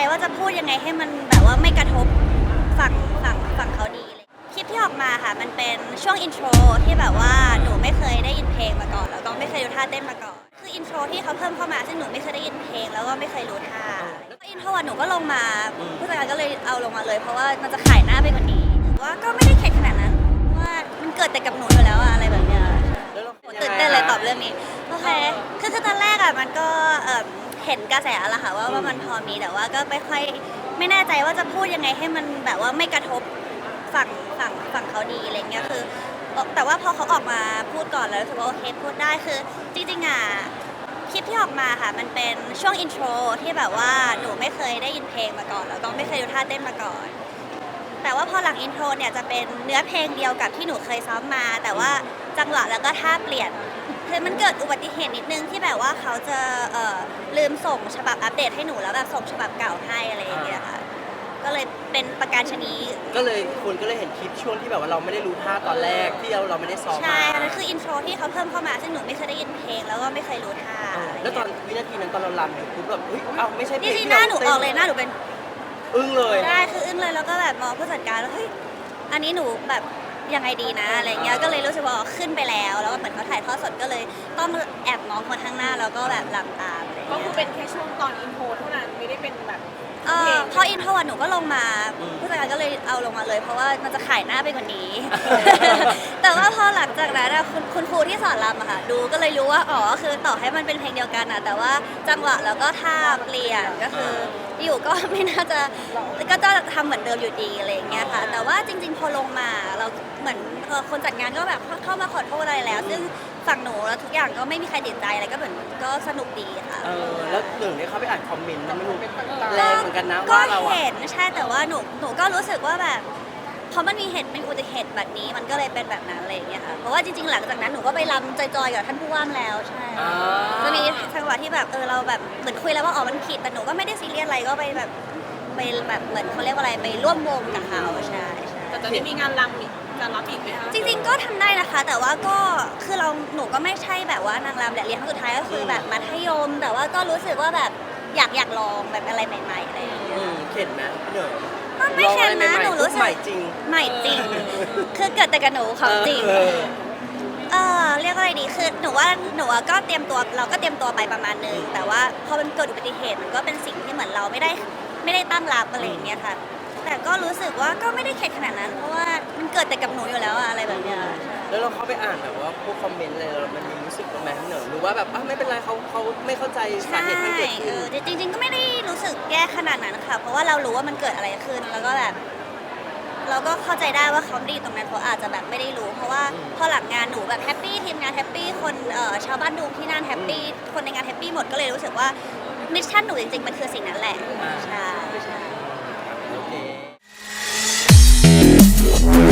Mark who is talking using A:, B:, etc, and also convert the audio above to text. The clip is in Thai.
A: ว่าจะพูดยังไงให้มันแบบว่าไม่กระทบฝั่งเขาดีเลยคลิปที่ออกมาค่ะมันเป็นช่วงอินโทรที่แบบว่าหนูไม่เคยได้ยินเพลงมาก่อนแล้วก็ไม่เคยดูท่าเต้นมาก่อนคืออินโทรที่เขาเพิ่มเข้ามาซึ่งหนูไม่เคยได้ยินเพลงแล้วก็ไม่เคยรู้ท่าแล้วก็อินโทรหนูก็ลงมาผู้จัดการก็เลยเอาลงมาเลยเพราะว่ามันจะขายหน้าไปกว่านี้ว่าก็ไม่ได้เข็ดขนาดนั้นว่ามันเกิดแต่กับหนูอยู่แล้วอะอะไรแบบเนี้ยตื่นเต้นเลยตอบเรื่องนี้โอเคคือตอนแรกอะมันก็เห็นกระแสแล้วค่ะว่ามันพอมีแต่ว่าก็ไม่แน่ใจว่าจะพูดยังไงให้มันแบบว่าไม่กระทบฝั่งเขาดีอะไรเงี้ยคือแต่ว่าพอเขาออกมาพูดก่อนแล้วรู้สึกว่าโอเคพูดได้คือจริงๆอ่ะคลิปที่ออกมาค่ะมันเป็นช่วงอินโทรที่แบบว่าหนูไม่เคยได้ยินเพลงมาก่อนแล้วก็ไม่เคยดูท่าเต้นมาก่อนแต่ว่าพอหลังอินโทรเนี่ยจะเป็นเนื้อเพลงเดียวกับที่หนูเคยซ้อมมาแต่ว่าจังหวะแล้วก็ท่าเปลี่ยนคือมันเกิดอุบัติเหตุนิดนึงที่แบบว่าเขาจะลืมส่งฉบับอัปเดตให้หนูแล้วแบบส่งฉบับเก่าให้อะไรอย่างเงี้ยค่ะก็เลยเป็นประการชนี
B: ก็เลยคุณก็เลยเห็นคลิปช่วงที่แบบว่าเราไม่ได้รู้ท่าตอนแรกที่เราไม่ได้ซ้อมมา
A: ใช่นั่นคืออินโทรที่เขาเพิ่มเข้ามาซึ่งหนูไม่เคยได้ยินเพลงแล้วก็ไม่เคยรู้ท่า
B: แล้วตอนวินาทีนั้นตอนเราลำอยู่ปุ๊บแบบเฮ้ยเอ้าไม่ใช่เพลง
A: ที่หน้าหนูออกเลยหน้าหนูเป็น
B: อึ้งเลย
A: ใช่คืออึ้งเลยแล้วก็แบบมองผู้จัดการแล้วเฮ้ยอันนี้หนูแบบยังไงดีนะอะไรเงี้ยก็เลยรู้สึกว่าขึ้นไปแล้วแล้วเหมือนเขาถ่ายทอดสดก็เลยต้องแอบมองคนข้างหน้าแล้วก็แบบลำตามอะไรเงี้ย
C: ก็คือเป็นแค่ช่วงตอนอินโทรเท่านั้นไม่ได้เป็นแบบ
A: พออินโทรหนูก็ลงมาผู้จัดการก็เลยเอาลงมาเลยเพราะว่ามันจะขายหน้าไปกว่านี้ แต่ว่าพอหลังจากนั้นคุณครูที่สอนรำอะค่ะดูก็เลยรู้ว่าอ๋อคือต่อให้มันเป็นเพลงเดียวกันอะแต่ว่าจังหวะแล้วก็ท่าเปลี่ยนก็คืออยู่ก็ไม่น่าจะก็จะทำเหมือนเดิมอยู่ดีอะไรอย่างเงี้ยค่ะแต่ว่าจริงๆพอลงมาเราเหมือนคนจัดงานก็แบบเข้ามาขอโทษอะไรแล้วซึ่งฝั่งหนูแล้วทุกอย่างก็ไม่มีใครติดใจอะไรก็เหมือนก็สนุกดีค่ะ
B: แล้วหนึ่งเนี่ยเขาไปอ่านคอมเมนต์มันไม่รู้แรงเหมือนกันนะว่าเรา
A: ก็เห็นใช่แต่ว่าหนูก็รู้สึกว่าแบบพอมันมีอุบัติเหตุแบบนี้มันก็เลยเป็นแบบนั้นอะไรอย่างเงี้ยค่ะเพราะว่าจริงๆหลังจากนั้นหนูก็ไปรำจอยๆกับท่านผู้ว่าแล้วใช่จะมีจังหวะที่แบบเราแบบเหมือนคุยแล้วว่าอ๋อมันผิดแต่หนูก็ไม่ได้ซีเรียสอะไรก็ไปแบบเหมือนเขาเรียกว่าอะไรไปร่วมวงกับเขาใช่
C: แต่ตอนนี้มีงานรำอีกจะรับอีกไหมคะ
A: จริงๆก็ทำได้นะคะแต่ว่าก็คือหนูก็ไม่ใช่แบบว่านางรำแต่เรียนครั้งสุดท้ายก็คือแบบมัธยมแต่ว่าก็รู้สึกว่าแบบอยากลองแบบอะไรใหม่ๆอะไรอย่างเงี้ย
B: เข็ดไหมพี่เหนื่อย
A: ไม่เข็ดนะหนูรู้สึก
B: ใหม่จริง
A: คือเกิดแต่กับหนูของจริงเรียกว่าอะไรดีคือหนูว่าก็เตรียมตัวเราก็เตรียมตัวไปประมาณนึงแต่ว่าพอมันเกิดอุบัติเหตุมันก็เป็นสิ่งที่เหมือนเราไม่ได้ตั้งรับอะไรอย่างเงี้ยค่ะแต่ก็รู้สึกว่าก็ไม่ได้เข็ดขนาดนั้นเพราะว่ามันเกิดแต่กับหนูอยู่แล้วอะไรแบบเนี้ย
B: แล้วเราเข้าไปอ่านแบบว่าพวกคอมเมนต์อะไรมันมีรู้สึกบ้างไหมเหนอหรือว่าแบบไม่เป็นไรเขาไม่เข้าใจสาเหตุที่เกิดขึ้น
A: จริงๆก็ไม่ได้รู้สึกแย่ขนาดนั้นค่ะเพราะว่าเรารู้ว่ามันเกิดอะไรขึ้นแล้วก็แบบเราก็เข้าใจได้ว่าเขาดีตรงนั้นเขาอาจจะแบบไม่ได้รู้เพราะว่าพอหลังงานหนูแบบแฮปปี้ทีมงานแฮปปี้คนชาวบ้านดูที่นั่นแฮปปี้คนในงานแฮปปี้หมดก็เลยรู้สึกว่ามิชชั่นหนูจริงๆมันคือสิ่งนั้นแหละใช่